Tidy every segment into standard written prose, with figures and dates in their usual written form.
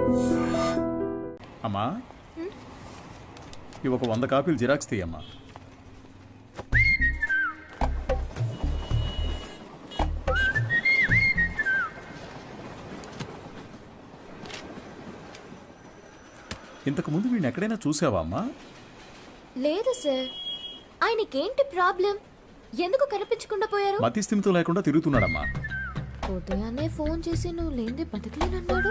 అమ్మా ఇవి ఒక 100 కాపీలు జిరాక్స్ తీయమ్మా. ఇంతకు ముందు వీడిని ఎక్కడైనా చూసావా అమ్మా? లేదు సార్. ఆయనకేంటి ప్రాబ్లం? ఎందుకు కనిపించకుండా పోయారు? మతి స్థిమితం లేకుండా తిరుగుతున్నాడమ్మా. ఉదయాన్నే ఫోన్ చేసి నువ్వు లేనిది బతకలేనన్నాడు.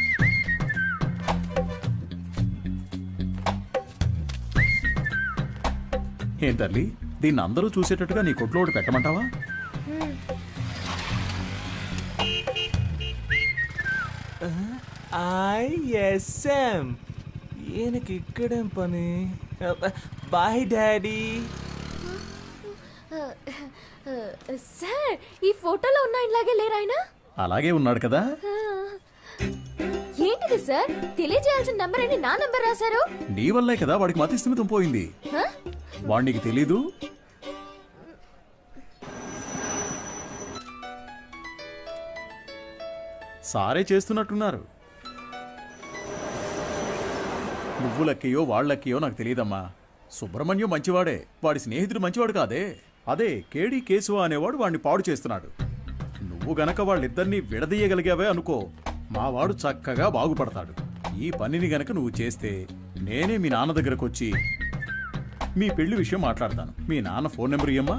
ఏం తల్లి, దీన్ని అందరూ చూసేటట్టుగా నీ కొట్లో ఒకటి పెట్టమంటావా? ఐఎస్ఎం ఈయనకి ఇక్కడేం పని? Bye daddy. సార్, ఈ ఫోటోలో ఉన్న ఇలాగే లేరు ఆయన? అలాగే ఉన్నాడు కదా. ఏంటిది సార్? తెలియజేయాల్సిన నంబర్ అని నా నంబర్ రాశారు. నీ వల్లే కదా వాడికి మతి స్థిమితం పోయింది. వాడికి తెలీదు. సారే చేస్తున్నట్టున్నారు. నువ్వు లక్కయో వాళ్ళక్కయో నాకు తెలియదమ్మా. సుబ్రహ్మణ్యం మంచివాడే, వాడి స్నేహితుడు మంచివాడు కాదే. అదే కేడి కేశవ అనేవాడు వాడిని పాడు చేస్తున్నాడు. నువ్వు గనక వాళ్ళిద్దరినీ విడదీయగలిగావే అనుకో, మావాడు చక్కగా బాగుపడతాడు. ఈ పనిని గనక నువ్వు చేస్తే నేనే మీ నాన్న దగ్గరకు వచ్చి మీ పెళ్లి విషయం మాట్లాడతాను. మీ నాన్న ఫోన్ నెంబర్ ఇయ్యమ్మా.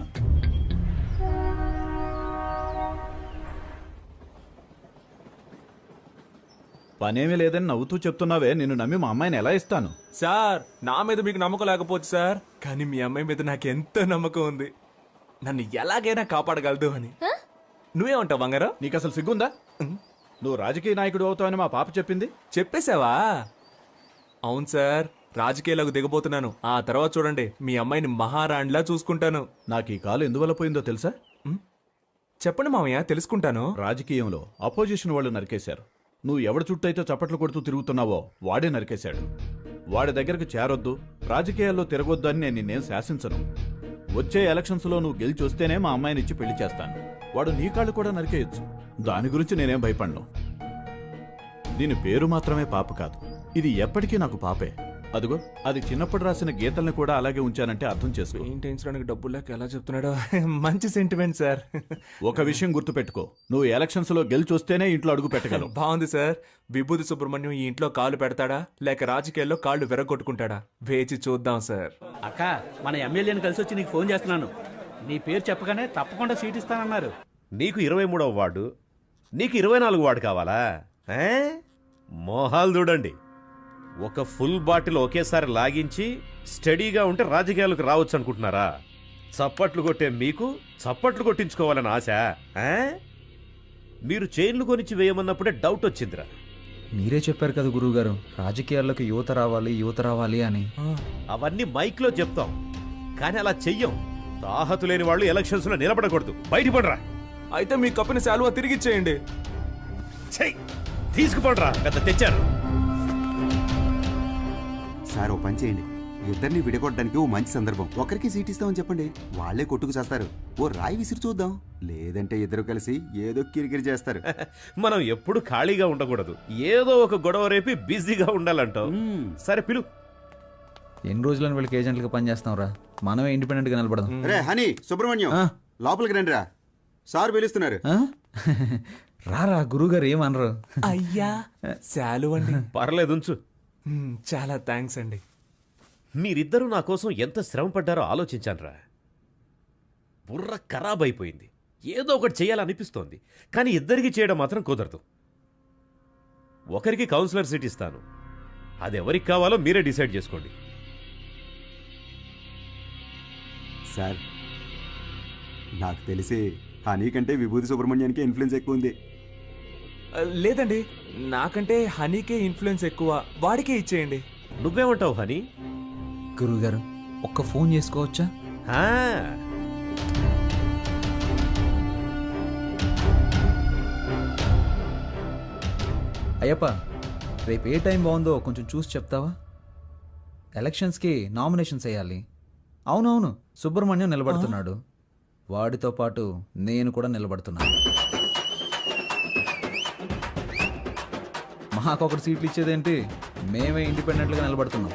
పనేమీ లేదని నవ్వుతూ చెప్తున్నావే, నిన్ను నమ్మి మా అమ్మాయిని ఎలా ఇస్తాను? సార్, నా మీద మీకు నమ్మకం లేకపోవచ్చు సార్, కానీ మీ అమ్మాయి మీద నాకు ఎంతో నమ్మకం ఉంది. నన్ను ఎలాగైనా కాపాడగలదు అని. నువ్వేమంటావు బంగారం? నీకు అసలు సిగ్గుందా? నువ్వు రాజకీయ నాయకుడు అవుతావని మా పాప చెప్పింది. చెప్పేశావా? అవును సార్, రాజకీయాలకు దిగబోతున్నాను. ఆ తర్వాత చూడండి, మీ అమ్మాయిని మహారాణిలా చూసుకుంటాను. నాకు ఈ కాలు ఎందువల్ల పోయిందో తెలుసా? చెప్పండి మామయ్య, తెలుసుకుంటాను. రాజకీయంలో అపోజిషన్ వాళ్ళు నరికేశారు. నువ్వు ఎవడి చుట్టైతే చప్పట్లు కొడుతూ తిరుగుతున్నావో వాడే నరికేశాడు. వాడి దగ్గరకు చేరొద్దు, రాజకీయాల్లో తిరగొద్దు అని నేను నిన్నేం శాసించను. వచ్చే ఎలక్షన్స్లో నువ్వు గెలిచి వస్తేనే మా అమ్మాయిని ఇచ్చి పెళ్లి చేస్తాను. వాడు నీ కాళ్ళు కూడా నరికేయచ్చు. దాని గురించి నేనేం భయపడను. దీని పేరు మాత్రమే పాప కాదు, ఇది ఎప్పటికీ నాకు పాపే. అదిగో, అది చిన్నప్పుడు రాసిన గీతల్ని కూడా అలాగే ఉంచానంటే అర్థం చేసుకో. పెయింటించడానికి డబ్బులు లేక ఎలా చెప్తున్నాడో. మంచి సెంటిమెంట్ సార్. ఒక విషయం గుర్తుపెట్టుకో, నువ్వు ఎలక్షన్స్ లో గెలిచి వస్తేనే ఇంట్లో అడుగు పెట్టగలవు. బాగుంది సార్. విభూతి సుబ్రహ్మణ్యం ఈ ఇంట్లో కాళ్ళు పెడతాడా లేక రాజకీయాల్లో కాళ్ళు విరగొట్టుకుంటాడా? వేచి చూద్దాం సార్. అక్క, మన ఎమ్మెల్యేని కలిసి వచ్చి నీకు ఫోన్ చేస్తున్నాను. నీ పేరు చెప్పగానే తప్పకుండా సీట్ ఇస్తానన్నారు. నీకు 23వ వార్డు, నీకు 24 వార్డు కావాలా? మోహాలు చూడండి. ఒక ఫుల్ బాటిల్ ఒకేసారి లాగించి స్టడీగా ఉంటే రాజకీయాలకు రావచ్చు అనుకుంటున్నారా? చప్పట్లు కొట్టే మీకు చప్పట్లు కొట్టించుకోవాలని ఆశ? మీరు చైన్లు కొనిచ్చి వేయమన్నప్పుడే డౌట్ వచ్చిందిరా. మీరే చెప్పారు కదా గురువుగారు, రాజకీయాల్లోకి యువత రావాలి అని. అవన్నీ మైక్లో చెప్తాం, కానీ అలా చెయ్యం. తాహతు లేని వాళ్ళు ఎలక్షన్స్ లో నిలబడకూడదు. బయటపడరా. అయితే మీ కప్పిన శాలువా తిరిగిచ్చేయండి. తీసుకుపడరా, పెద్ద తెచ్చారు. సార్, ఓ పని చేయండి, ఇద్దరిని విడగొట్టడానికి ఓ మంచి సందర్భం. ఒకరికి సీట్ ఇస్తామని చెప్పండి, వాళ్లే కొట్టుకు చేస్తారు. ఓ రాయి విసిరి చూద్దాం. లేదంటే ఇద్దరు కలిసి ఏదో కిరికిరి చేస్తారు. మనం ఎప్పుడు ఖాళీగా ఉండకూడదు, ఏదో ఒక గొడవ రేపి బిజీగా ఉండాలంటావు. సరే పిలు. ఎన్ని రోజులని వీళ్ళకి ఏజెంట్లుగా పనిచేస్తాం రా, మనమే ఇండిపెండెంట్ గా నిలబడదాం. రే హనీ, సుబ్రహ్మణ్యం, లోపలికి రండి రా, సార్ పిలుస్తున్నారు. రారా, గురువుగారు ఏమనరు. అయ్యా, శాలువ అండి. పర్లేదు, ఉంచు. చాలా థ్యాంక్స్ అండి. మీరిద్దరూ నా కోసం ఎంత శ్రమ పడ్డారో ఆలోచించానురా. బుర్ర ఖరాబ్ అయిపోయింది. ఏదో ఒకటి చేయాలనిపిస్తోంది, కానీ ఇద్దరికి చేయడం మాత్రం కుదరదు. ఒకరికి కౌన్సిలర్ సీట్ ఇస్తాను, అది ఎవరికి కావాలో మీరే డిసైడ్ చేసుకోండి. సార్, నాకు తెలిసి హనీ కంటే విభూతి సుబ్రహ్మణ్యానికి ఇన్ఫ్లుయెన్స్ ఎక్కువ ఉంది. లేదండి, నాకంటే హనీకే ఇన్ఫ్లుయెన్స్ ఎక్కువ. వాడికే ఇచ్చేయండి. నువ్వేమంటావు హనీ? గురువుగారు, ఒక్క ఫోన్ చేసుకోవచ్చా? అయ్యప్ప, రేపు ఏ టైం బాగుందో కొంచెం చూసి చెప్తావా? ఎలక్షన్స్కి నామినేషన్స్ వేయాలి. అవునవును, సుబ్రహ్మణ్యం నిలబడుతున్నాడు, వాడితో పాటు నేను కూడా నిలబడుతున్నాను. మాకొకటి సీట్లు ఇచ్చేదేంటి, మేమే ఇండిపెండెంట్గా నిలబడుతున్నాం.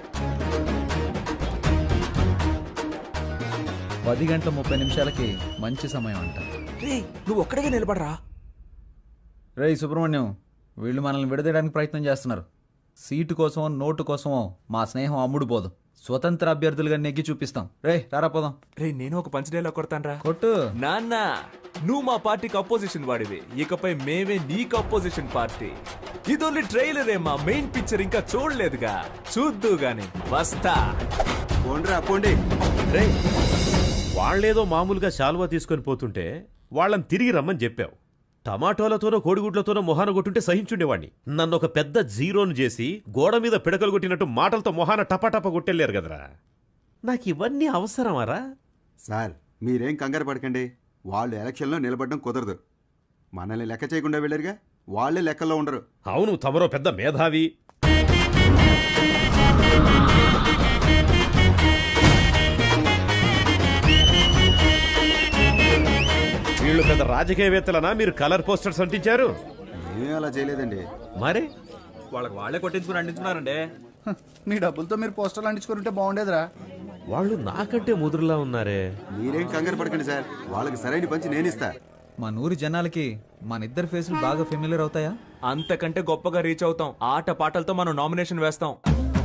10:30 మంచి సమయం అంట. రే నువ్వు ఒక్కడిగా నిలబడరా. రేయ్ సుబ్రహ్మణ్యం, వీళ్ళు మనల్ని విడదీయడానికి ప్రయత్నం చేస్తున్నారు. సీటు కోసమో నోటు కోసమో మా స్నేహం అమ్ముడుపోదు. స్వతంత్ర అభ్యర్థులుగా నెగ్గి చూపిస్తాం. రే రారా పోదాం. రే నేను ఒక పంచడేలా కొడతానరా. కొట్టు. నాన్న నువ్వు మా పార్టీకి అపోజిషన్ వాడివి, ఇకపై మేమే నీకు అపోజిషన్ పార్టీ. ఇది ఓన్లీ ట్రైలరే, మా మెయిన్ పిక్చర్ ఇంకా చూడలేదుగా, చూద్దు గాని వస్తా. పోండ్రా పోండి. రే వాళ్ళేదో మామూలుగా శాలువా తీసుకొని పోతుంటే వాళ్ళని తిరిగి రమ్మని చెప్పావు. టమాటోలతోనో కోడిగుడ్లతోనో మొహాన కొట్టుంటే సహించుండేవాణ్ణి. నన్ను ఒక పెద్ద జీరోను చేసి గోడ మీద పిడకలు కొట్టినట్టు మాటలతో మొహాన టపాటపా కొట్టెళ్ళారు కదరా. నాకు ఇవన్నీ అవసరమారా? సార్ మీరేం కంగారు పడకండి. వాళ్ళు ఎలక్షన్లో నిలబడడం కుదరదు. మనల్ని లెక్క చేయకుండా వెళ్ళారుగా, వాళ్ళే లెక్కల్లో ఉండరు. అవును, తమరో పెద్ద మేధావి. వీళ్ళు పెద్ద రాజకీయవేత్తలనా మీరు కలర్ పోస్టర్స్ అంటించారు? ఏం అలా చేయలేదండి. మరే వాళ్ళకి వాళ్ళే కొట్టించుకుని అంటించున్నారండి. మీ డబ్బులతో మీరు పోస్టర్లు అంటించుకుంటే బాగుండేదిరా. వాళ్ళు నాకంటే ముదురులా ఉన్నారే. మీరేం కంగారు పడకండి సార్, వాళ్ళకి సరైన పంచి నేనిస్తా. మా నూరి జనాలకి మన ఇద్దరు ఫేసులు బాగా ఫెమిలియర్ అవుతాయా? అంతకంటే గొప్పగా రీచ్ అవుతాం. ఆట పాటలతో మనం నామినేషన్ వేస్తాం.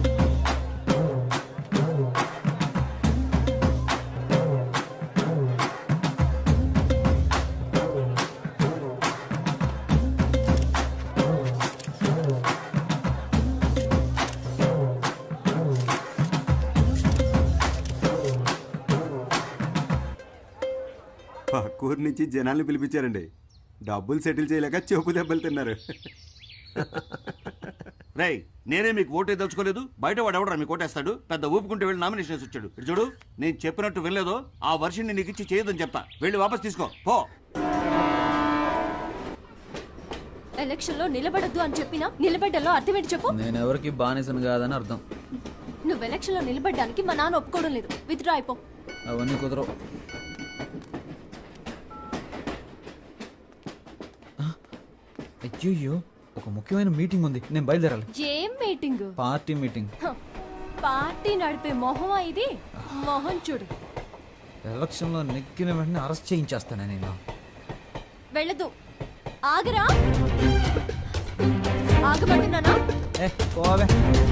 పక్కూరు నుంచి జనాల్ని పిలిపించారండి. డబ్బులు సెటిల్ చేయలేక చెప్పు దెబ్బలు తిన్నారు. రేయ్ నేనే మీకు ఓటే దలుచుకోలేదు, బయట వాడు ఎవడరా మీకు ఓటేస్తాడు? పెద్ద ఊపుకుంటే వెళ్ళి నామినేషన్ వచ్చాడు. ఇటు చూడు, నేను చెప్పినట్టు వినలేదో ఆ వర్షిని నీకు ఇచ్చి చేయదని చెప్తా. వెళ్ళి వాపస్ తీసుకో పో. ఎలక్షన్ లో నిలబడద్దు అని చెప్పినా నిలబడ్డలో అర్థం ఏంటి చెప్పు. నేను ఎవరికి బానిసను కాదని అర్థం. నువ్వు ఎలక్షన్ లో నిలబడ్డానికి మా నాన్న ఒప్పుకోవడం లేదు. విత్డ్రా అయిపో. అవన్నీ కుదరవు. అయ్యో, ఒక ముఖ్యమైన మీటింగ్ ఉంది, నేను బయలుదేరాలి. ఏం మీటింగ్? Party meeting. పార్టీ నడిపే మొహమా ఇది? మొహం చూడు. ఎలక్షన్లో నెగ్గిన వెంటనే అరెస్ట్ చేయించేస్తాను నేను. వెళ్ళదు. ఆగరా. ఆగమంటున్నానా? పోవే.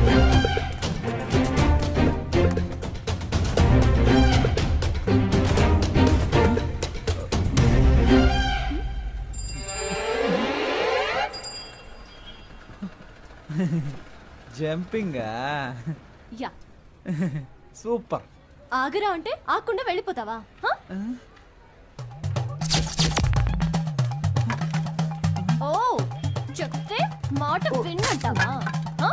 జంపింగా? యా. సూపర్. ఆగరా అంటే ఆకుండా వెళ్ళిపోతావా? హ? ఓ చెప్తే మాట విన్నంటావా? హ?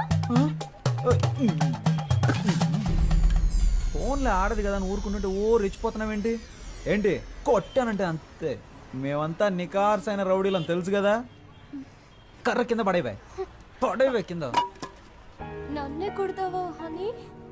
ఫోన్లో ఆడదు కదా అని ఊరుకుంటుంటే రెచ్చిపోతున్నావేంటి? ఏంటి కొట్టానంటే అంతే. మేమంతా నికార్సైన రౌడీలు అని తెలుసు కదా. కర్ర కింద పడేవే కింద. నన్నే కొడతావా హనీ?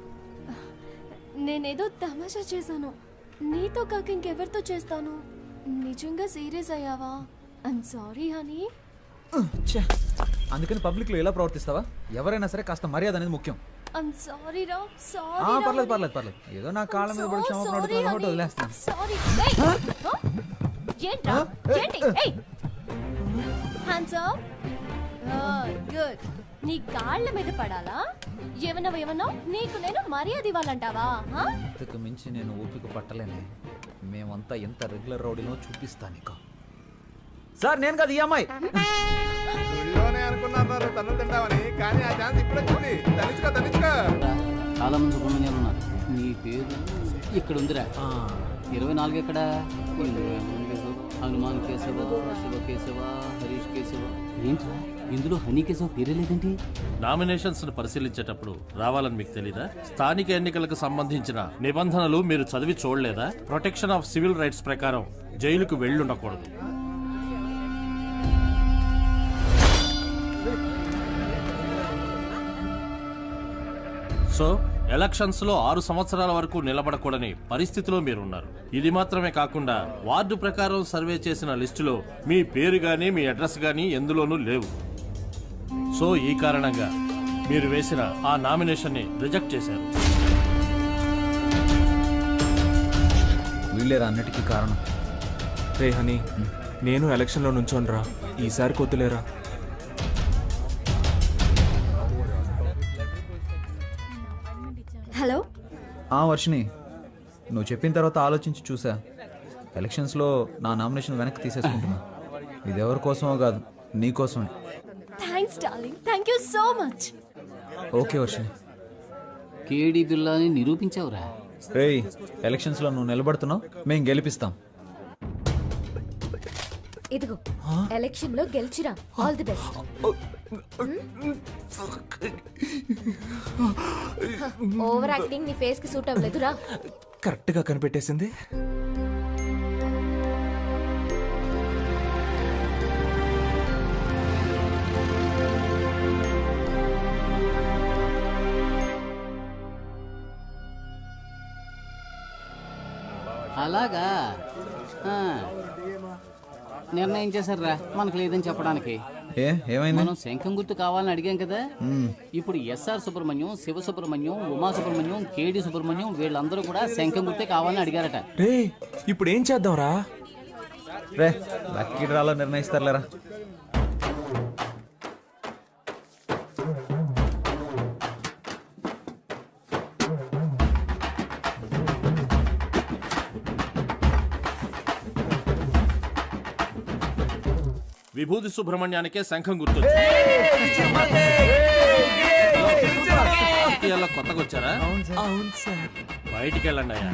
నేనేదో తమాషా చేశాను. నీతో కాక ఇంకెవరితో చేస్తాను? నిజంగా సీరియస్ అయ్యావా? I'm sorry honey. అందుకని పబ్లిక్ లో ఎలా ప్రవర్తిస్తావా? ఎవరైనా సరే కాస్త మర్యాద అనేది ముఖ్యం. ఐమ్ సారీ రా. సారీ. పర్లేదు. ఏదో నా కాళ్ళ మీద పడి క్షమాపణ అడుగుతున్నాను కాబట్టి వదిలేస్తాను. సారీ. ఏంట్రా? ఏంటి? ఏయ్. Hands up. గుడ్. నీ కాళ్ళ మీద పడాలా? ఏమన్నా నీకు నేను మర్యాద ఇవ్వాలంటావా? ఇంతకు మించి నేను ఓపిక పట్టలేనే. మేమంతా ఎంత రెగ్యులర్ రౌడీనో చూపిస్తా నీకు. సార్ నేను కదా ఈ అమ్మాయి. చాలా మంది సుబ్రహ్మణ్యాలు ఉన్నారు. నీ పేరు ఇక్కడ ఉందిరా. 24 ఎక్కడ? హనుమాన్ కేశవ, శివ కేశవ, హరీష్ కేశవ. ఏంట్రా ఇందులో హనీ కేశవ పేరే లేదేంటి? నామినేషన్స్ ను పరిశీలించేటప్పుడు రావాలని మీకు తెలీదా? స్థానిక ఎన్నికలకు సంబంధించిన నిబంధనలు మీరు చదివి చూడలేదా? ప్రొటెక్షన్ ఆఫ్ సివిల్ రైట్స్ ప్రకారం జైలుకు వెళ్ళుండకూడదు. సో ఎలక్షన్స్ లో 6 సంవత్సరాల వరకు నిలబడకూడని పరిస్థితిలో మీరున్నారు. ఇది మాత్రమే కాకుండా వార్డు ప్రకారం సర్వే చేసిన లిస్టులో మీ పేరు గానీ మీ అడ్రస్ గానీ ఎందులోనూ లేవు. సో ఈ కారణంగా మీరు వేసిన ఆ నామినేషన్ని రిజెక్ట్ చేశారు. వీళ్ళేరా అన్నిటికీ కారణం. రే హనీ, నేను ఎలక్షన్లో నుంచోనరా, ఈసారి కొద్దులేరా. హలో. వర్షిని, నువ్వు చెప్పిన తర్వాత ఆలోచించి చూసా. ఎలక్షన్స్లో నా నామినేషన్ వెనక్కి తీసేసుకుంటున్నా. ఇది ఎవరి కోసమో కాదు, నీ కోసమే. Thanks darling, thank you so much. Okay Varshini. KD బిల్లాని నిరూపించావురా. రేయ్, ఎలక్షన్స్లో నువ్వు నిలబడుతున్నావు, మేము గెలిపిస్తాం. ఇదిగో ఎలక్షన్ లో గెలిచిరా. All the best. Over acting నీ ఫేస్ కి సూట్ అవ్వలేదురా. కరెక్ట్గా కనిపెట్టేసింది. అలాగా నిర్ణయం చేశారా మనకు లేదని చెప్పడానికి. ఏమైంది? మనం శంఖం గుర్తు కావాలని అడిగాం కదా. ఇప్పుడు ఎస్ఆర్ సుబ్రహ్మణ్యం, శివ సుబ్రహ్మణ్యం, ఉమా సుబ్రహ్మణ్యం, కేడి సుబ్రహ్మణ్యం వీళ్ళందరూ కూడా శంఖం గుర్తే కావాలని అడిగారట. రే ఇప్పుడు ఏం చేద్దాంరా? రే లక్కీ డ్రాలో నిర్ణయిస్తారులేరా. విభూతి సుబ్రహ్మణ్యానికే శంఖం గుర్తు. రాజకీయాల్లో కొత్తగా వచ్చారా? అవును సార్. బయటికి వెళ్ళండి అయ్యా.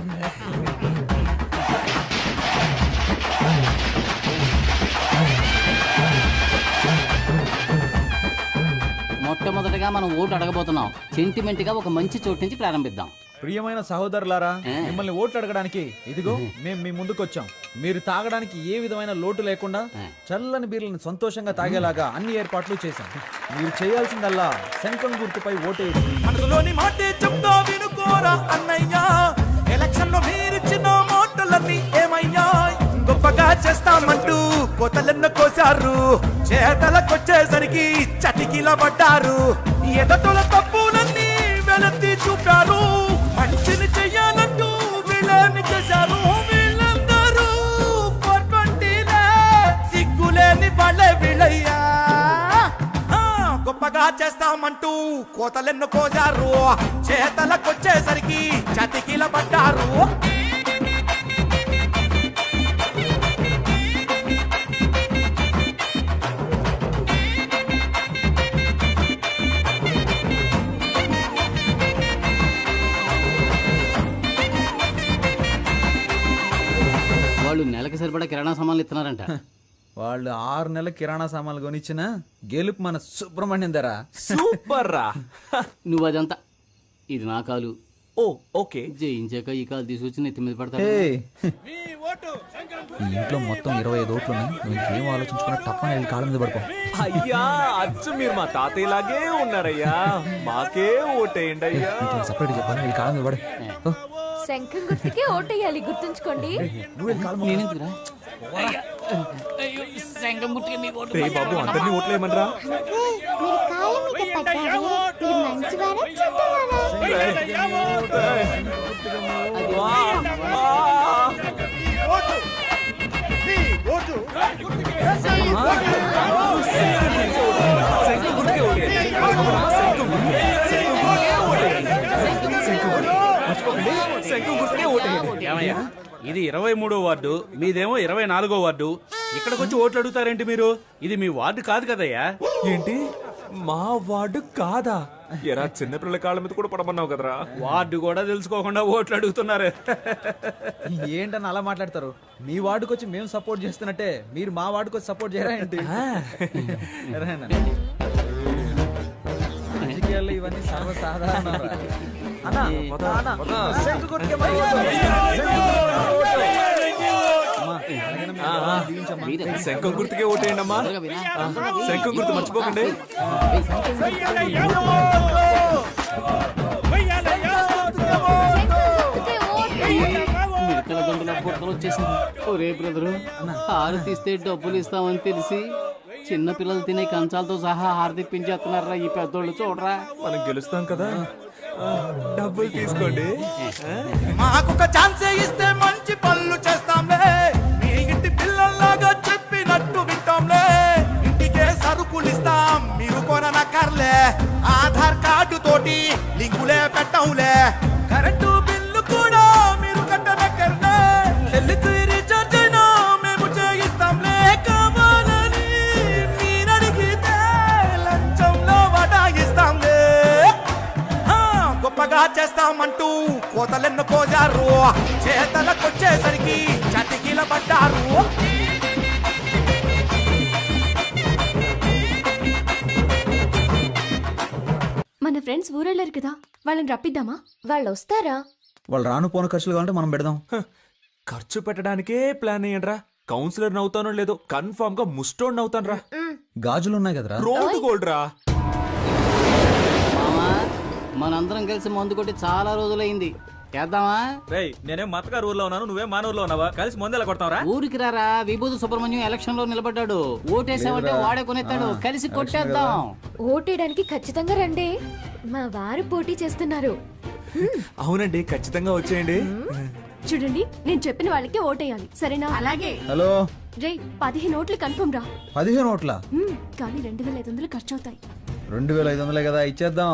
మొట్టమొదటిగా మనం ఓటు అడగబోతున్నాం. సెంటిమెంట్ గా ఒక మంచి చోటు నుంచి ప్రారంభిద్దాం. ప్రియమైన సహోదరులారా, మిమ్మల్ని ఓట్లు అడగడానికి ఇదిగో మేము మీ ముందుకు వచ్చాం. మీరు తాగడానికి ఏ విధమైన లోటు లేకుండా చల్లని బీర్లను సంతోషంగా తాగేలాగా అన్ని ఏర్పాట్లు చేశాం. మీరు చేయాల్సిందల్లా శంఖం గుర్తుపై ఓటేయండి. మనసులోని మాటే చెప్తా వినుకోరా అన్నయ్యా, ఎలక్షన్ లో మీరిచ్చిన మాటలన్నీ ఏమయ్యా? గొప్పగా చేస్తామంటూ కోతలెన్న కోసారు, చేతలకొచ్చేసరికి చటికిల పడ్డారు. ఎదటల తప్పులన్నీ వెలత్తి చూపారు, మంచిని చెయ్యాలంటూ వీళ్ళని చేశారు. వీళ్ళందరూ 420 సిగ్గులేని వాళ్ళే వీళ్ళయ్యా. గొప్పగా చేస్తామంటూ కోతలెన్ను కోసారు, చేతలకొచ్చేసరికి చతికిల పడ్డారు. వాళ్ళు నెలకి సరిపడా కిరాణా సామాన్లు ఇస్తున్నారంట. వాళ్ళు 6 నెలల కిరాణా సామాన్లు కొనిచ్చిన గెలుపు మన సుబ్రహ్మణ్యం ధర. సూపర్ రా. నువ్వు అదంతా ఇది నా కాలు. ఓ ఓకే. జయించాక ఈ కాలు తీసుకొచ్చి నెత్తి మీద పడతా. ఈ ఇంట్లో మొత్తం 25 ఓట్లు ఉన్నాయి. నువ్వు ఇంకేం ఆలోచించుకున్నా తప్పని వెళ్ళి కాళ్ళ మీద పడుకో. అయ్యా అచ్చు మీరు మా తాతయ్యలాగే ఉన్నారయ్యా, మాకే ఓటేయండి అయ్యా. సపరేట్ చెప్పాను, వెళ్ళి కాళ్ళ మీద పడు. శంఖం గుర్తుకే ఓటేయాలి, గుర్తుంచుకోండి. నేనెందుకురా? శంఖం గుర్తుకే మీ ఓటు. రే బాబు, అందరినీ ఓట్లేయమనరా. మీరు కాళ్ళ మీద పడ్డారు. మీరు మంచివారా చెడ్డవారా? ఏమయ్యా, ఇది 23వ వార్డు, మీదేమో 24వ వార్డు. ఇక్కడికి వచ్చి ఓట్లు అడుగుతారేంటి మీరు? ఇది మీ వార్డు కాదు కదయ్యా. ఏంటి మా వార్డు కాదా? ఎరా చిన్నపిల్లల కాళ్ళ మీద కూడా పడమన్నావు కదరా. వార్డు కూడా తెలుసుకోకుండా ఓట్లు అడుగుతున్నారు. ఏంటని అలా మాట్లాడతారు? మీ వార్డుకి వచ్చి మేము సపోర్ట్ చేస్తున్నట్టే మీరు మా వార్డుకి వచ్చి సపోర్ట్ చేయరా ఏంటి? రాజకీయాల్లో ఇవన్నీ సర్వసాధారణ. శంఖం గుర్తుకే ఓటేయండి అమ్మా. శంఖం గుర్తు మర్చిపోకండి. మిడతల గంటల బుట్టలు వచ్చేసింది. ఒరే బ్రదరు, 6 తీస్తే డబ్బులు ఇస్తామని తెలిసి చిన్న పిల్లలు తినే కంచాలతో సహా హారతిప్పించేస్తున్నారా ఈ పెద్దోళ్ళు చూడరా. మనం గెలుస్తాం కదా. డబ్బులు తీసుకోండి. మాకొక ఛాన్సే ఇస్తే మంచి పనులు చేస్తాంలే, మీ ఇంటి పిల్లల్లాగా చెప్పినట్టు వింటాంలే, ఇంటికే సరుకులు ఇస్తాం మీరు కొననక్కర్లే, ఆధార్ కార్డు తోటి లింకులే పెట్టంలే, కరెంటు బిల్లు కూడా మీరు కట్టనక్కర్లే, సెల్లుకు రీఛార్జ్ అయినా మేము చేయిస్తాంలే, కావాలని మీరడిగితే లంచంలో వడాయిస్తాంలే, గొప్పగా చేస్తామంటూ కోతలెన్ను కోజారు, చేతలకొచ్చేసరికి చతికిల పడ్డారు. మన ఫ్రెండ్స్ ఊరెళ్ళారు కదా, వాళ్ళని రప్పిద్దామా? వాళ్ళు వస్తారా? వాళ్ళు రాను పోను ఖర్చులు కావాలంటే మనం పెడదాం. ఖర్చు పెట్టడానికే ప్లాన్ అయ్యండ్రా. కౌన్సిలర్ నవ్వుతానో లేదో కన్ఫర్మ్ గా ముస్టోడ్ నవ్వుతాను రా. గాజులు ఉన్నాయి కదరా. రోడ్డు గోల్డ్ రా. మామా మనందరం కలిసి మందు కొట్టి చాలా రోజులైంది, చేద్దామా? రేయ్, నేనేం మతగారు ఊర్లో ఉన్నాను, నువ్వే మానూరులో ఉన్నావా? కలిసి ముందెలా కొడతావరా? ఊరికి రారా, విభూతి సుబ్రహ్మణ్యం ఎలక్షన్ లో నిలబడ్డాడు, ఓటేసామంటే వాడే కొనేస్తాడు, కలిసి కొట్టేద్దాం. ఓటేయడానికి ఖచ్చితంగా రండి, మా వారు పోటీ చేస్తున్నారు. అవునండి, ఖచ్చితంగా వచ్చేయండి. చూడండి, నేను చెప్పిన వాళ్ళకి ఓటేయాలి, సరేనా? అలాగే. హలో రే, 15 ఓట్లు కన్ఫర్మ్ రా. 15 ఓట్ల? కానీ 2500 ఖర్చు అవుతాయి. 2500 కదా, ఇచ్చేద్దాం.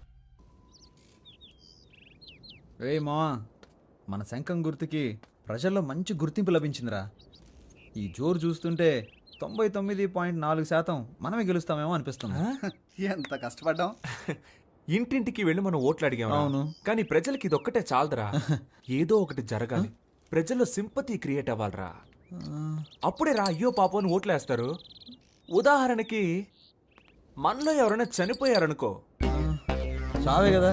రే మావా, మన శంఖం గుర్తుకి ప్రజల్లో మంచి గుర్తింపు లభించిందిరా. ఈ జోరు చూస్తుంటే 99.4% మనమే గెలుస్తామేమో అనిపిస్తుంది. ఎంత కష్టపడ్డాం. ఇంటింటికి వెళ్ళి మనం ఓట్లు అడిగాం. అవును. కానీ ప్రజలకి ఇదొక్కటే చాలదురా. ఏదో ఒకటి జరగాలి, ప్రజల్లో సింపతి క్రియేట్ అవ్వాలరా. అప్పుడే రా అయ్యో పాపం అని ఓట్లేస్తారు. ఉదాహరణకి మనలో ఎవరైనా చనిపోయారనుకో, చావే కదా,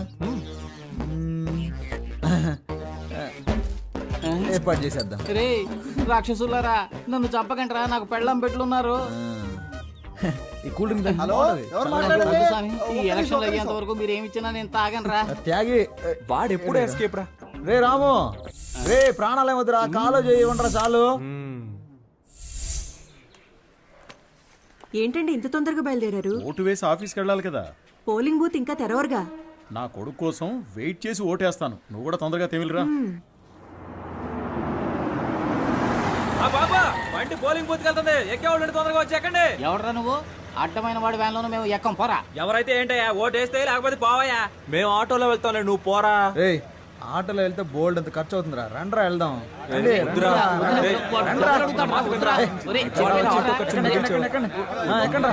ఏర్పాటు చేసేద్దాం. రే రాక్షసులారా, నన్ను చంపకంటరా, నాకు పెళ్ళం పెట్లున్నారు. ఈ కూల్ డ్రింక్ హలో, ఎవరు వద్దు మాట్లాడేది? స్వామి, ఈ ఎలక్షన్లు అయ్యేంత వరకు మీరు ఏమి ఇచ్చినా నేను తాగనరా. త్యాగి. వాడెప్పుడూ ఎస్కేప్ రా. రే రాము, రే ప్రాణాలు ఏమొద్దురా, కాలో చేయి ఉండరా చాలు. ఏంటండి ఇంత తొందరగా బయలుదేరారు? ఓటు వేసి ఆఫీస్కి వెళ్ళాలి కదా. పోలింగ్ బూత్ ఇంకా తెరవరుగా. నా కొడుకు కోసం వెయిట్ చేసి ఓటేస్తాను. నువ్వు కూడా తొందరగా తెమిలిరా. బాబా, వంటి పోలింగ్ బూత్ వెళ్తుంది, ఎక్కేవాళ్ళు తొందరగా వచ్చేకండి. ఎవడరా నువ్వు? అడ్డమైన వాడి వ్యాన్లోనూ మేము ఎక్కం, పోరా. ఎవరైతే ఏంటయ్యా, ఓటు వేస్తే లేకపోతే పోవయ్యా. మేము ఆటోలో వెళ్తాంలే, నువ్వు పోరా. ఏయ్, ఆటోలో వెళ్తే బోల్డ్ అంత ఖర్చు అవుతుందిరా, రండ్రా వెళ్దాం. వద్దురా. ఒరేయ్, చెప్పేనా వాడా? ఎక్కండ్రా.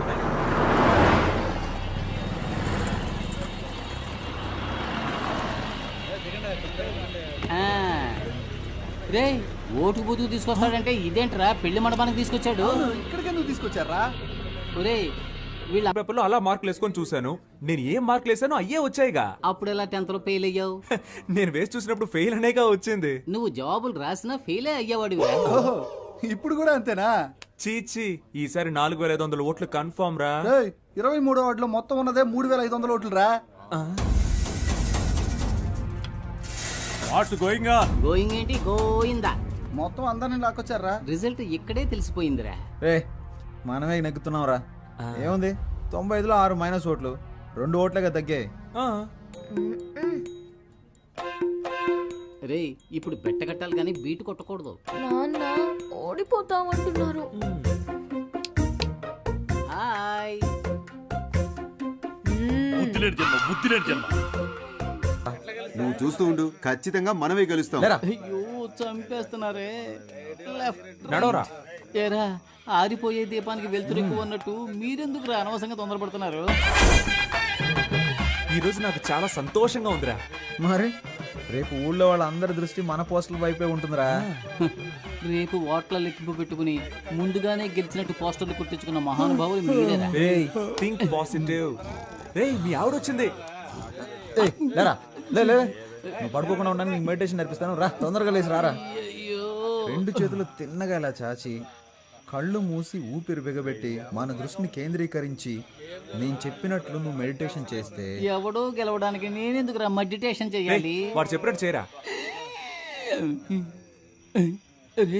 రే ఓటు బూతుకు తీసుకొస్తాడంటే ఇదేంట్రా, పెళ్లి మండపానికి తీసుకొచ్చాడు. ఇక్కడికి ఎందుకు తీసుకొచ్చారా? ఒరే వీళ్ళ పేపర్లో అలా మార్కులు వేసుకొని చూశాను. నేను ఏం మార్కులు వేసానో అయ్యే వచ్చాయిగా. అప్పుడు ఎలా 10th లో ఫెయిల్ అయ్యావు? నేను వేసి చూసినప్పుడు ఫెయిల్ అనేగా వచ్చింది. నువ్వు జవాబులు రాసినా ఫెయిలే అయ్యేవాడు. ఓహో, ఇప్పుడు కూడా అంతేనా? చీచి, ఈసారి 4500 ఓట్లు కన్ఫర్మ్ రా. 23వ వార్డులో మొత్తం ఉన్నదే 3500 ఓట్లు రా. What's going on? గోయింగ్ ఏంటి, గోయిందా. మొత్తం అందరిని లాక్కొచ్చారా? రిజల్ట్ ఇక్కడే తెలిసిపోయిందిరా. రే మనమే నెగ్గుతున్నాం రా. ఏముంది, 95లో 6 మైనస్ ఓట్లు, 2 ఓట్లుగా తగ్గాయి. రే ఇప్పుడు బెట్ట కట్టాలి కానీ బీటు కొట్టకూడదు. నాన్న ఓడిపోతామంటున్నారు. హాయ్. బుద్ధిలేని జన్మ. నువ్వు చూస్తూ ఉండు, ఖచ్చితంగా మనమే గెలుస్తాం. లేరా. అయ్యో చంపేస్తున్నారే. లెఫ్ట్ నడవరా. ఏరా, ఆరిపోయే దీపానికి వెళ్తురు ఎక్కువ అన్నట్టు మీరెందుకు రా అనవసరంగా తొందరపడుతున్నారు? ఈ రోజు నాకు చాలా సంతోషంగా ఉందిరా. మరి రేపు ఊళ్ళో వాళ్ళందరి దృష్టి మన పోస్టుల వైపే ఉంటుందిరా. రేపు ఓట్ల లెక్కింపు పెట్టుకుని ముందుగానే గెలిచినట్టు పోస్టర్లు కుట్టించుకున్న మహానుభావులు మీరేరా. Think positive. రేయ్, మీ ఆవిడొచ్చింది. ఏయ్, లేరా, లే నువ్వు పడుకోకుండా ఉండడానికి నీకు మెడిటేషన్ నేర్పిస్తాను, రా తొందరగా లేచి రారా. అయ్యో, 2 చేతులు తిన్నగా ఇలా చాచి, కళ్ళు మూసి ఊపిరి బిగబెట్టి మన దృష్టిని కేంద్రీకరించి నేను చెప్పినట్లు నువ్వు మెడిటేషన్ చేస్తే ఎవడో గెలవడానికి నేనెందుకు రా మెడిటేషన్ చేయాలి? వాడు చెప్పినట్టు చేయరా.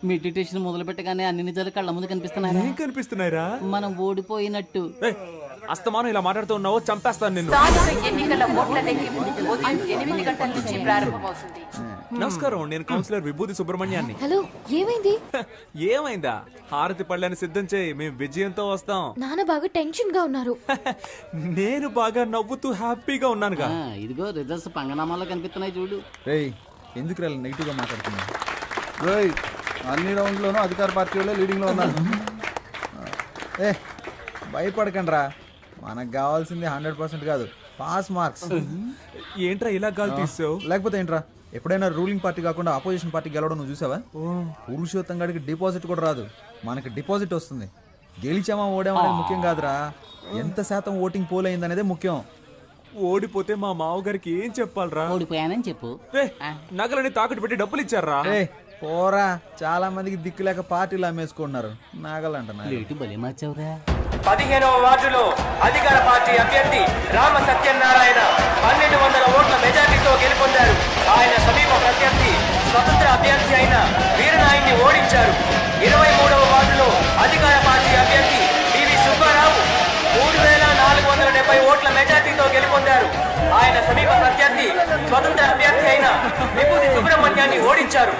మెడిటేషన్ మొదలు పెట్టగానే అన్ని నిజాలు కళ్ళ ముందు కనిపిస్తున్నాయి. ఏం కనిపిస్తున్నాయిరా? మనం ఓడిపోయినట్టు. ఏయ్, అస్తమానం ఇలా మాట్లాడుతూ ఉన్నావు, చంపేస్తాను నిన్ను. ఎన్నికల ఓట్ల లెక్కింపు ఉదయం 8 గంటల నుంచి ప్రారంభమవుతుంది. నమస్కారం, నేను కౌన్సిలర్ విభూతి సుబ్రహ్మణ్యాన్ని. హలో, ఏమైంది? ఏమైందా? హారతి పళ్ళని సిద్ధం చేయి, మేము విజయంతో వస్తాం. నాన్న బాగా టెన్షన్ గా ఉన్నారు. నేను బాగా నవ్వుతూ హ్యాపీగా ఉన్నానుగా. ఇదిగో రిజల్ట్స్ పంగనామాలో కనిపిస్తున్నాయి చూడు. రేయ్ ఎందుకు రా నెగిటివ్ గా మాట్లాడుతున్నా? రోయ్ అన్ని రౌండ్లోనూ అధికార పార్టీ వాళ్ళే లీడింగ్లో ఉన్నారు. ఏ భయపడకండి రా, మనకు కావాల్సింది 100% కాదు, పాస్ మార్క్స్. ఏంట్రా ఇలా గాలి తీసావు? లేకపోతే ఏంట్రా, ఎప్పుడైనా రూలింగ్ పార్టీ కాకుండా ఆపోజిషన్ పార్టీ గెలవడం నువ్వు చూసావా? పురుషోత్తం గాడికి డిపాజిట్ కూడా రాదు, మనకి డిపాజిట్ వస్తుంది. గెలిచామా ఓడామా అనేది ముఖ్యం కాదురా, ఎంత శాతం ఓటింగ్ పోల్ అయింది అనేది ముఖ్యం. ఓడిపోతే మా మావగారికి ఏం చెప్పాలరా? ఓడిపోయానని చెప్పు. నగలని తాకట్టు పెట్టి డబ్బులు ఇచ్చారా? పోరా, చాలా మందికి దిక్కు లేక పార్టీలు అమ్మేసుకుంటున్నారు. నాగలంట రేటు బలి మార్చావురా. 15వ వార్డులో అధికార పార్టీ అభ్యర్థి రామ సత్యనారాయణ 1200 ఓట్ల మెజార్టీతో గెలుపొందారు. ఆయన సమీప ప్రత్యర్థి స్వతంత్ర అభ్యర్థి అయిన వీరనాయుడిని ఓడించారు. 23వ వార్డులో అధికార పార్టీ అభ్యర్థి పివి సుబ్బారావు 3470 ఓట్ల మెజార్టీతో గెలుపొందారు. ఆయన సమీప ప్రత్యర్థి స్వతంత్ర అభ్యర్థి అయిన విభూతి సుబ్రహ్మణ్యాన్ని ఓడించారు.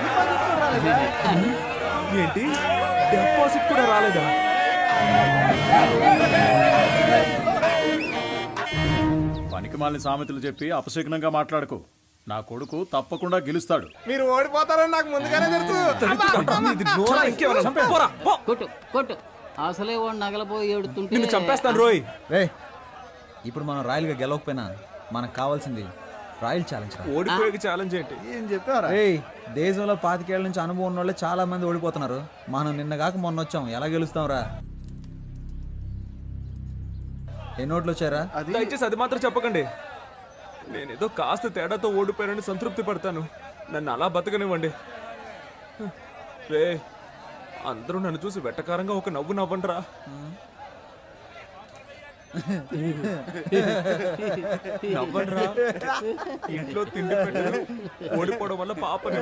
ఏంటి, డిపాజిట్ కూడా రాలేదా? పనికిమాలిన సామెతలు చెప్పి అపశకునంగా మాట్లాడకు. నా కొడుకు తప్పకుండా గెలుస్తాడు. మీరు ఓడిపోతారని నాకు ముందుగానే తెలుసు. కొట్టు కొట్టు, అసలే వాడు నగలపోయి ఏడుతుంటే చంపేస్తాను రోయ్. రే ఇప్పుడు మనం రాయల్గా గెలవకపోయినా మనకు కావాల్సింది రాయల్ ఛాలెంజ్. ఓడిపోయే ఛాలెంజ్ ఏంటి? ఏం చెప్పారా? దేశంలో 25 ఏళ్ల నుంచి అనుభవం ఉన్న వాళ్ళే చాలా మంది ఓడిపోతున్నారు. మనం నిన్న కాక మొన్న వచ్చాం, ఎలా గెలుస్తాం రా? ఎన్ని ఓట్లు వచ్చారా? దయచేసి అది మాత్రం చెప్పకండి. నేనేదో కాస్త తేడాతో ఓడిపోయానని సంతృప్తి పడతాను. నన్ను అలా బతకనివ్వండి. రే, అందరూ నన్ను చూసి వెట్టకారంగా ఒక నవ్వు నవ్వండిరా. నవ్వండిరా. ఇంట్లో తిండి పెట్టరు, ఓడిపోవడం వల్ల పాపని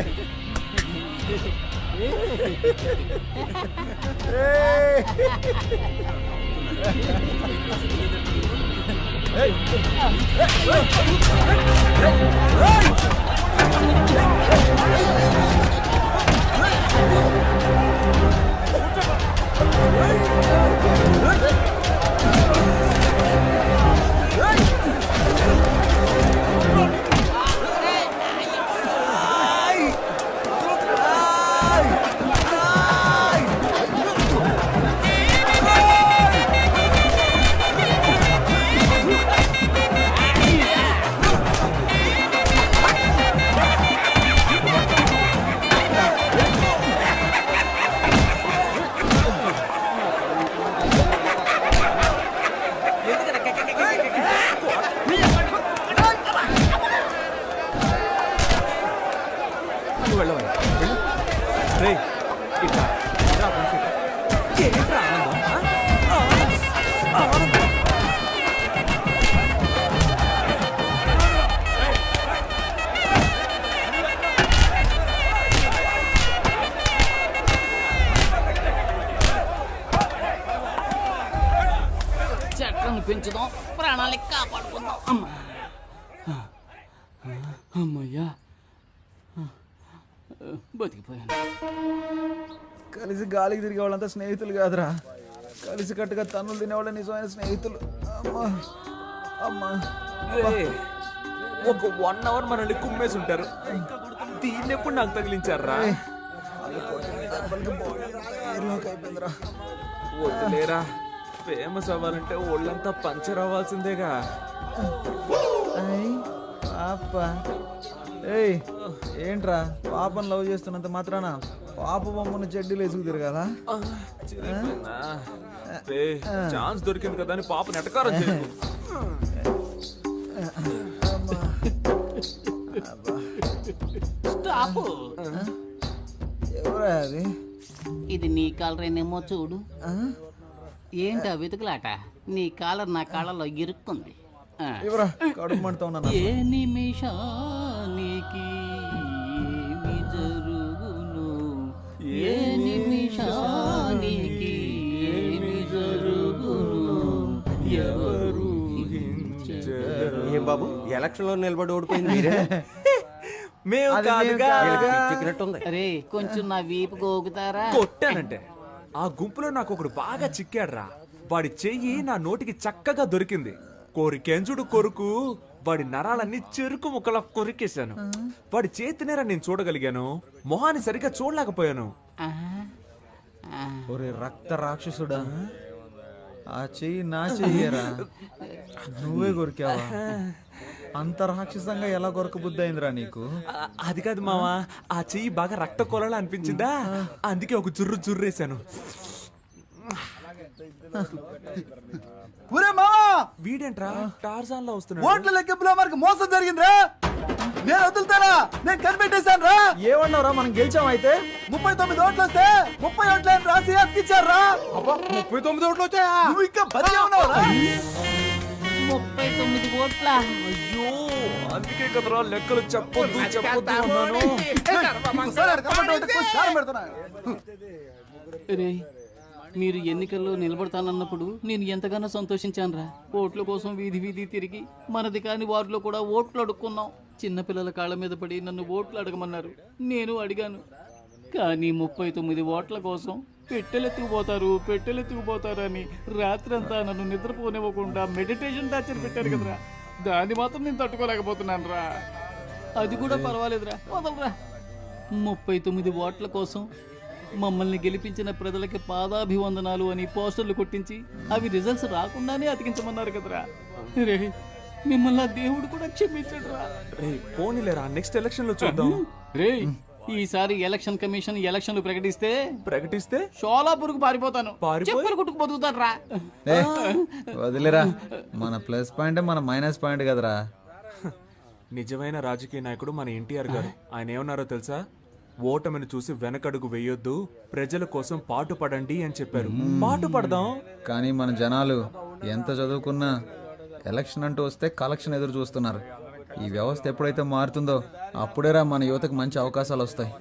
చెట్లను పెంచుదాం, ప్రాణాలని కాపాడుకుందాం. అమ్మయ్యా, బతికిపోయాను. కలిసి గాలికి తిరిగే వాళ్ళంతా స్నేహితులు కాదురా, కలిసి కట్టుగా తన్నులు తినేవాళ్ళ నిజమైన స్నేహితులు. అమ్మా అమ్మా, ఒక 1 అవర్ మనల్ని కుమ్మేసి ఉంటారు. దీన్ని ఎప్పుడు నాకు తగిలించారా? వద్దులేరా, ఫేమస్ అవ్వాలంటే ఒళ్ళంతా పంచర్ అవ్వాల్సిందేగా. పాప ఏంట్రా, పాపను లవ్ చేస్తున్నంత మాత్రాన పాప బొమ్మను చెడ్డీలు వేసుకు తిరగాల? ఛాన్స్ దొరికింది కదా అని పాపని ఎటకారం చేయకు. స్టాప్. ఎవరా అది? ఇది నీ కాలరేనేమో చూడు. ఏంటా వెతుకులాట? నీ కాలర్ నా కాళ్ళలో ఇరుక్కుంది. ఎవరా కడుపు మంటతో ఉన్నా? ఏ నిమిషానికి ఏమి జరుగును? ఏ నిమిషానికి ఏమి జరుగును ఎవరు ఏం బాబు ఎలక్షన్ లో నిలబడి ఓడిపోయింది మేము కాదుగా. అరే కొంచెం నా వీపు గోగుతారా? కొట్టానంటే ఆ గుంపులో నాకు ఒకడు బాగా చిక్కాడ్రా. వాడి చెయ్యి నా నోటికి చక్కగా దొరికింది. కోరికెంచుడు కొరుకు వాడి నరాలన్నీ చెరుకు ముక్కలా కొరికేశాను. వాడి చేతినేరా నేను చూడగలిగాను, మొహాన్ని సరిగ్గా చూడలేకపోయాను. ఒరే రక్త రాక్షసుడా, ఆ చెయ్యి నా చెయ్యరా, నువ్వే కొరికావా? అంత రాక్షసంగా ఎలా కొరకబుద్ధి అయిందిరా నీకు? అది కాదు మావా, ఆ చెయ్యి బాగా రక్త కొలలా అనిపించిందా, అందుకే ఒక జుర్రేశాను. ఒరే మావా, వీడేంట్రా టార్జాన్ లో వస్తున్నాడు. ఓట్ల లెక్కింపులో మనకు మోసం జరిగిందిరా. నేను వదులుతారా? నేను కనిపెట్టేశాను రా. ఏమన్నారా, మనం గెలిచాం. అయితే 39 ఓట్లు వస్తే 30 ఓట్లని రాసి అతికిచ్చారా. 39 ఓట్లు వచ్చాయా? నువ్వు ఇంకా బతికే ఉన్నావురా. 39 ఓట్ల. అయ్యో, అందుకే కదరా లెక్కలు చెప్పొద్దు అన్నాను. రే, మీరు ఎన్నికల్లో నిలబడతానన్నప్పుడు నేను ఎంతగానో సంతోషించానురా. ఓట్ల కోసం వీధి వీధి తిరిగి మనది కాని వారిలో కూడా ఓట్లు అడుక్కున్నాం. చిన్నపిల్లల కాళ్ళ మీద పడి నన్ను ఓట్లు అడగమన్నారు, నేను అడిగాను. కానీ 39 ఓట్ల కోసం పెట్టెలెత్తుకుపోతారు అని రాత్రంతా నన్ను నిద్రపోనివ్వకుండా మెడిటేషన్ టార్చర్ పెట్టారు కదరా. దాన్ని మాత్రం నేను తట్టుకోలేకపోతున్నాను రా. అది కూడా పర్వాలేదురా, వదలరా. 39 ఓట్ల కోసం మమ్మల్ని గెలిపించిన ప్రజలకి పాదాభివందనాలు అని పోస్టర్లు కొట్టించి అవి రిజల్ట్స్ రాకుండానే అతికించమన్నారు కదరా. రే, మిమ్మల్ని దేవుడు కూడా క్షమించడురా. రే పోనీలేరా, నెక్స్ట్ ఎలక్షన్ లో చూద్దాం. రే, ఈసారి ఎలక్షన్ కమిషన్ ఎలక్షన్లు ప్రకటిస్తే షోలాపూర్కు పారిపోతాను. చెప్పులు కుట్టుకు బతుకుతాను రా. వదిలేరా, మన ప్లస్ పాయింట్ మన మైనస్ పాయింట్ కదరా. నిజమైన రాజకీయ నాయకుడు మన ఎన్టీఆర్ గారు. ఆయన ఏమన్నారో తెలుసా? ఓటమిని చూసి వెనకడుగు వేయొద్దు, ప్రజల కోసం పాటుపడండి అని చెప్పారు. పాటుపడదాం. కానీ మన జనాలు ఎంత చదువుకున్నా ఎలక్షన్ అంటూ వస్తే కలెక్షన్ ఎదురు చూస్తున్నారు. ఈ వ్యవస్థ ఎప్పుడైతే మారుతుందో అప్పుడేరా మన యువతకు మంచి అవకాశాలు వస్తాయి.